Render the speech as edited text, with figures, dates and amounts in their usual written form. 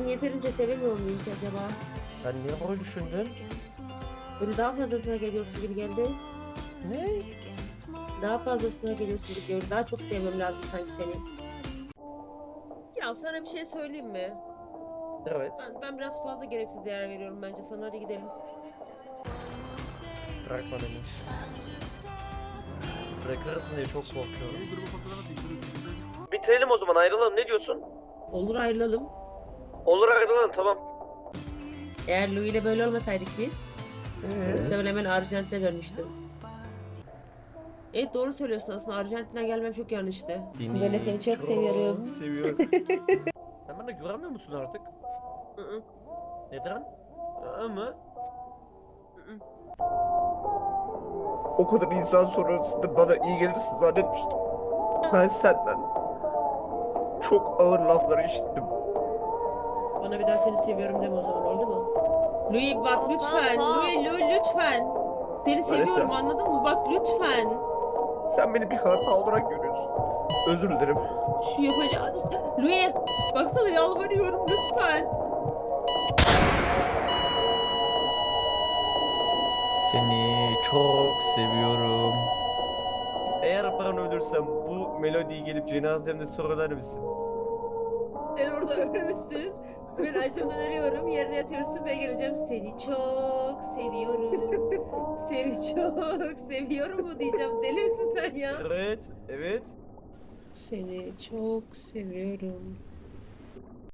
seni yeterince sevemiyor muyum ki acaba? Sen niye öyle düşündün? Böyle daha fazlasına geliyorsun gibi geldi. Ne? Daha fazlasına geliyorsun gibi gördüm. Daha çok sevmem lazım sanki seni. Ya sana bir şey söyleyeyim mi? Evet. Ben biraz fazla gereksiz değer veriyorum bence sana. Hadi gidelim. Bırakma beni. Bırakırsın diye çok korkuyorum. Bitirelim o zaman, ayrılalım, ne diyorsun? Olur ayrılalım. Olur, ayrılalım, tamam. Eğer Louis ile böyle olmasaydık biz, muhtemelen hemen Arjantin'e dönmüştüm. Evet doğru söylüyorsun, aslında Arjantin'den gelmem çok yanlıştı. Böyle seni çok seviyorum. Seviyorum. Sen bana güvenmiyor musun artık? Hı hı, Neden? Ama hı hı. O kadar insan sonrasında bana iyi gelirsin zannetmiştim. Ben senden çok ağır laflar işittim. Bana bir daha seni seviyorum deme o zaman, oldu mu? Louis bak lütfen. Hop. Louis lütfen. Seni seviyorum, anladın mı? Bak lütfen. Sen beni bir hata olarak görüyorsun. Özür dilerim. Şu yapacağım. Louis baksana, yalvarıyorum lütfen. Seni çok seviyorum. Eğer ben ölürsem bu melodiyi gelip cenazemde söyler misin? Sen orada ölmüşsün. Ben acımdan ölüyorum. Yerine yatıyorsun. Ben geleceğim. Seni çok seviyorum. Seni çok seviyorum mu diyeceğim. Deli misin sen ya? Evet, evet. Seni çok seviyorum.